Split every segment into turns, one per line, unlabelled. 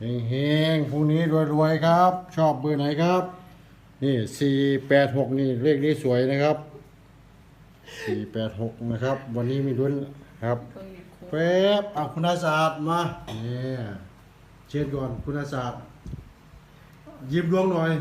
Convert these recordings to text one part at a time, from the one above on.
เฮงๆพรุ่งนี้รวยๆครับ ชอบเบอร์ไหนครับ นี่486นี่เลขนี้สวยนะครับ486นะครับ วันนี้มีลุ้นครับแป๊บเอาคุณอาศาสตร์มาเนี่ยเชิญก่อนคุณอาศาสตร์ยิ้มดวงหน่อย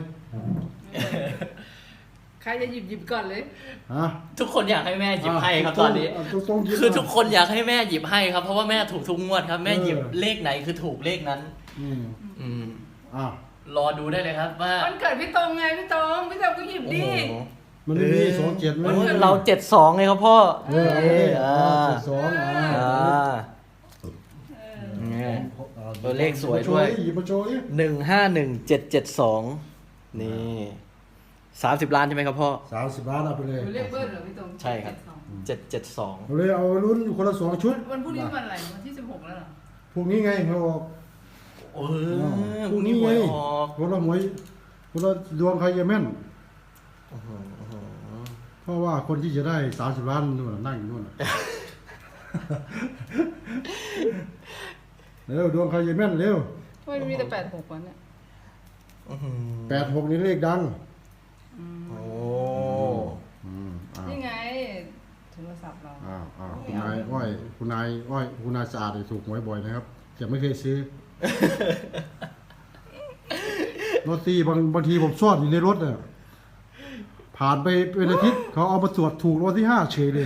ใครจะหยิบก่อนเลย
ฮะ
ทุกคนอยากให้แม่หยิบให้ครับตอนนี้
ต้องยิ้ม
คือทุกคนอยากให้แม่หยิบให้ครับ เพราะว่าแม่ถูกทุกงวดครับ แม่หยิบ
เออ
เลขไหนคือถูกเลขนั้น
อืมอ่ะ
รอดูได้เลยครับว่า
วันเกิดพี่ตรงไงพี่ตรงก็หยิบดิ
มันไม่มี27ไหม
เรา72ไงครับพ่อ ตัวเลขสวยด้วย
หยิบมาโชว์ดิ
151772นี่30 ล้านใช่ไหมครับพ่อ
30 ล้านเอาไปเลย
หนูเรียกเบิ้ลเหรอพี่ตรง
ใช่ครับ 772
เอาเลยเอาลุ้นคนละ2ชุด
วันพรุ่งนี้วันอะไรวันที่16แล้วเหรอ
พรุ่งนี้ไงเขาบอก
เออพรุ่งนี้หวยออก
คนละหวยคนละดวงใครจะแม่นเพราะว่าคนที่จะได้30 ล้านนู่นน่ะนั่งอยู่นู่นน่ะ เร็วดวงใครจะแม่นเร็ว
ทำไมมีแต่86วันเนี่ย
86นี่เลขดัง
โอ้
อ้าว
นี่ไงโทรศัพท์เรา
อ้าวคุณนายอ้อยคุณนายสะอาดเนี่ยถูกหวยบ่อยนะครับแต่ไม่เคยซื้อ รถตีบางทีผมซ่อนอยู่ในรถเนี่ยผ่านไปเป็นอาทิตย์เขาเอามาตรวจถูกรถที่5เฉยเลย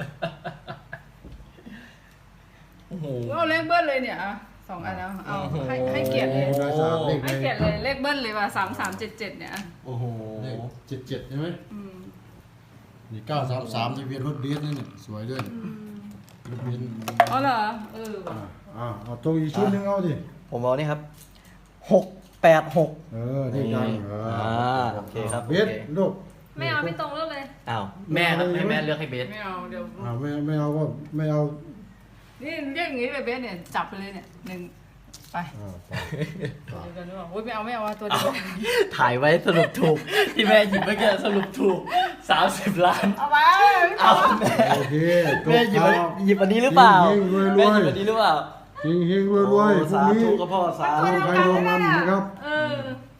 เอาเลขเบิ้ลเลยเนี่ย2 อันแล้วเอาให้เกียรติเลย
คุณนายสะอาดเลข
ให้เกียรติเลยเลขเบิ้ลเลยว่ะ3377เนี่ย
โอ้โห
เลข77ใช่ไหม นี่933ที่เวียนรถเบนซ์นี่เนี่ยสวยด้วยรถเบนซ์
อ๋อเหรอว่ะ
เอาตรงอีกชุดหนึงเอาดิ
ผมเอานี่ครับ686
นี่ดัง
โอเคครับ
เบสลูก
ไม่เอาไม่ตรงแล้วเลย
อ้าวแม่ครับให้แม่เลือกให้เบส
ไม่เอาเดี๋ยว
ไม่เอาก็ไม่เอา
นี่เรียกอย่างนี้เลยเบสเนี่ยจับไปเลยเนี่ย1ไป เดี๋ยวบอกไม่เอาตัวเดียว
ถ่ายไว้สรุปถูก ที่แม่หยิบเมื่อกี้สรุปถูก30 ล้าน
เอาไป
เอาแม่
โอเค
แม่หยิบอันนี้หรือเปล่า
เฮงๆรวยๆ
แม่หยิบอันนี้หรือเปล่า
เฮงๆรวยๆพรุ่ง
สา
นี้
ธุกับพ่อสาธุ
ใครลงมันนะครับ
เออ